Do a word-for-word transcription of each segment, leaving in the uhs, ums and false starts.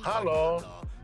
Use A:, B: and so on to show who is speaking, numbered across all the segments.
A: Halo?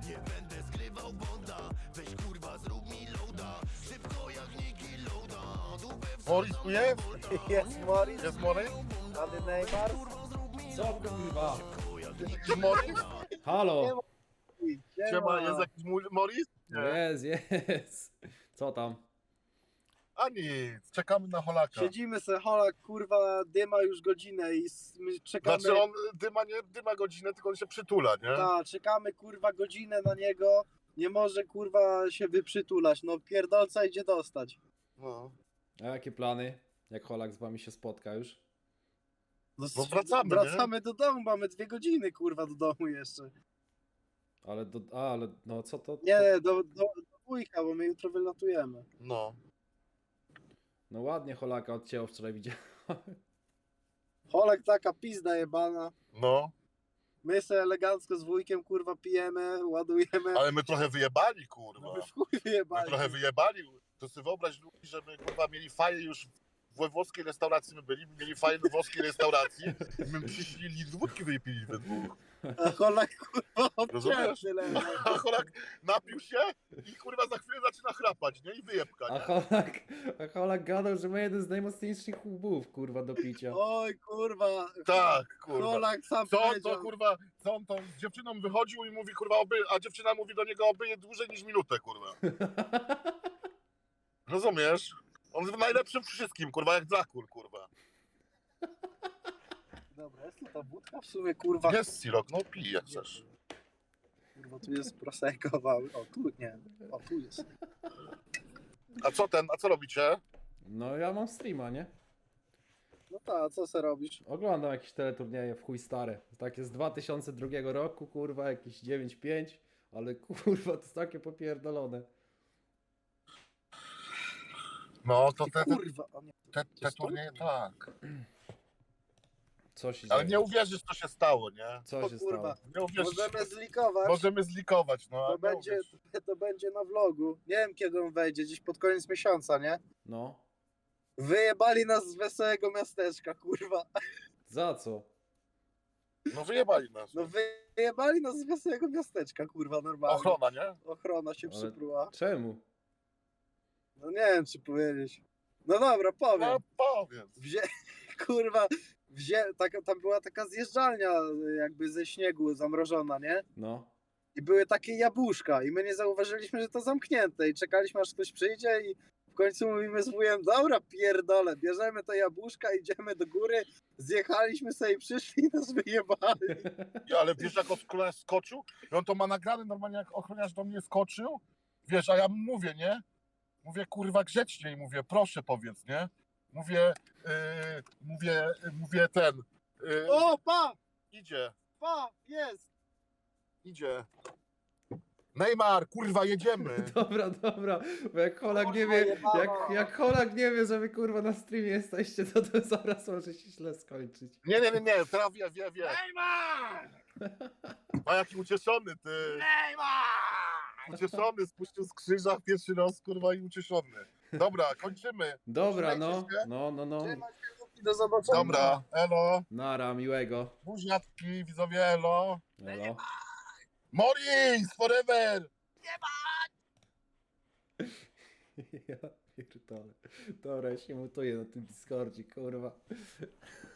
A: Morris tu jest?
B: Jest Morris,
A: Jest Morris?
B: Ady Neymar.
C: Co kurwa?
A: Jest Morris?
C: Halo!
A: Siema, jest jakiś mu- Morris?
C: No jest, jest. Co tam?
A: A nic, czekamy na Holaka.
B: Siedzimy se, Holak, kurwa, dyma już godzinę i s- my czekamy,
A: Znaczy on dyma nie dyma godzinę, tylko on się przytula, nie?
B: ta, czekamy, kurwa, godzinę na niego, nie może, kurwa, się wyprzytulać, no pierdolca idzie dostać.
A: No.
C: A jakie plany? Jak Holak z wami się spotka już?
B: No,
A: No wracamy,
B: Wracamy do domu, mamy dwie godziny, kurwa, do domu jeszcze.
C: Ale do... A, ale no co to? to...
B: Nie, do, do, do wujka, bo my jutro wylatujemy.
A: No.
C: No ładnie Holaka odcięło wczoraj, widziałem.
B: Holak taka pizda jebana.
A: No.
B: My se elegancko z wujkiem, kurwa, pijemy, ładujemy.
A: Ale my trochę wyjebali, kurwa.
B: My w chuj
A: My
B: wyjebali.
A: trochę wyjebali. To sobie wyobraź ludzi, że my kurwa mieli faję już we włoskiej restauracji my byli, my mieli faję we włoskiej restauracji i my przyszli litr wódki wypili we dwóch.
B: A Holak, kurwa,
A: Rozumiesz?
B: obcięty leży.
A: A Holak napił się i kurwa za chwilę zaczyna chrapać, nie? I wyjebka,
C: A
A: nie?
C: Holak, a Holak gadał, że ma jeden z najmocniejszych łbów, kurwa, do picia.
B: Oj, kurwa.
A: Tak, kurwa.
B: Holak sam
A: Co on
B: powiedział.
A: to kurwa, co on to z dziewczyną wychodził i mówi kurwa oby, a dziewczyna mówi do niego obyje dłużej niż minutę, kurwa. Rozumiesz? On jest najlepszym wszystkim, kurwa, jak Drakul, kurwa.
B: Dobra, jest tu ta wódka w sumie, kurwa.
A: Jest Sirok, no pij jak chcesz.
B: Kurwa, tu jest prosecco, wały. O, tu nie. O, tu jest.
A: A co ten, a co robicie?
C: No ja mam streama, nie?
B: No ta, co se robisz?
C: Oglądam jakieś teleturnieje w chuj stare. Takie z dwa tysiące drugiego roku, kurwa, jakieś dziewięć pięć, ale kurwa, to jest takie popierdolone.
A: No, to
B: Ty,
A: te, te,
B: kurwa. O, nie.
A: te, te turnieje, tak.
C: Co się
A: Ale
C: dzieje?
A: nie uwierzysz, co się stało, nie?
C: Co
B: O,
C: się
B: kurwa.
C: stało?
A: Nie uwierzysz.
B: Możemy zlikować.
A: Możemy zlikować, no. a
B: To
A: nie
B: będzie,
A: uwierzysz.
B: to będzie na vlogu. Nie wiem, kiedy on wejdzie, gdzieś pod koniec miesiąca, nie?
C: No.
B: Wyjebali nas z wesołego miasteczka, kurwa.
C: Za co?
A: No wyjebali nas.
B: No wyjebali nas z wesołego miasteczka, kurwa, normalnie.
A: Ochrona, nie?
B: Ochrona się
C: Ale-
B: przypruła.
C: Czemu?
B: No nie wiem, czy powiedzieć. No dobra, powiem.
A: No powiedz.
B: Wzię... Kurwa, wzię... taka, tam była taka zjeżdżalnia jakby ze śniegu zamrożona, nie?
C: No.
B: I były takie jabłuszka i my nie zauważyliśmy, że to zamknięte i czekaliśmy, aż ktoś przyjdzie i w końcu mówimy z wujem, dobra, pierdolę, bierzemy te jabłuszka, idziemy do góry, zjechaliśmy sobie i przyszli i nas wyjebali.
A: Ja, ale wiesz, jak ochroniarz skoczył? I on to ma nagrane normalnie, jak ochroniarz do mnie skoczył. Wiesz, a ja mu mówię, nie? Mówię, kurwa, grzeczniej, mówię, proszę powiedz, nie? Mówię, yy, mówię, yy, mówię ten. Yy,
B: O, pa,
A: idzie,
B: pa, jest.
A: idzie. Neymar, kurwa, jedziemy.
C: Dobra, dobra, bo jak Holak nie wie, jak, jak Holak nie wie, że wy kurwa na streamie jesteście, to to zaraz może się źle skończyć.
A: Nie, nie, nie, nie, teraz wie, wie, wie. Neymar! A jaki ucieszony, ty. Neymar! Ucieszony, spuścił z krzyża pierwszy raz, kurwa, i ucieszony. Dobra, kończymy.
C: Dobra, no,
A: Trzymajcie się.
C: no, no, no.
B: Do zobaczenia.
A: Dobra, elo.
C: Nara, miłego.
A: Buziatki, widzowie, elo.
C: Elo.
A: Morris, forever!
C: Ja pierdolę. Dobra, ja się mutuję na tym Discordzie, kurwa.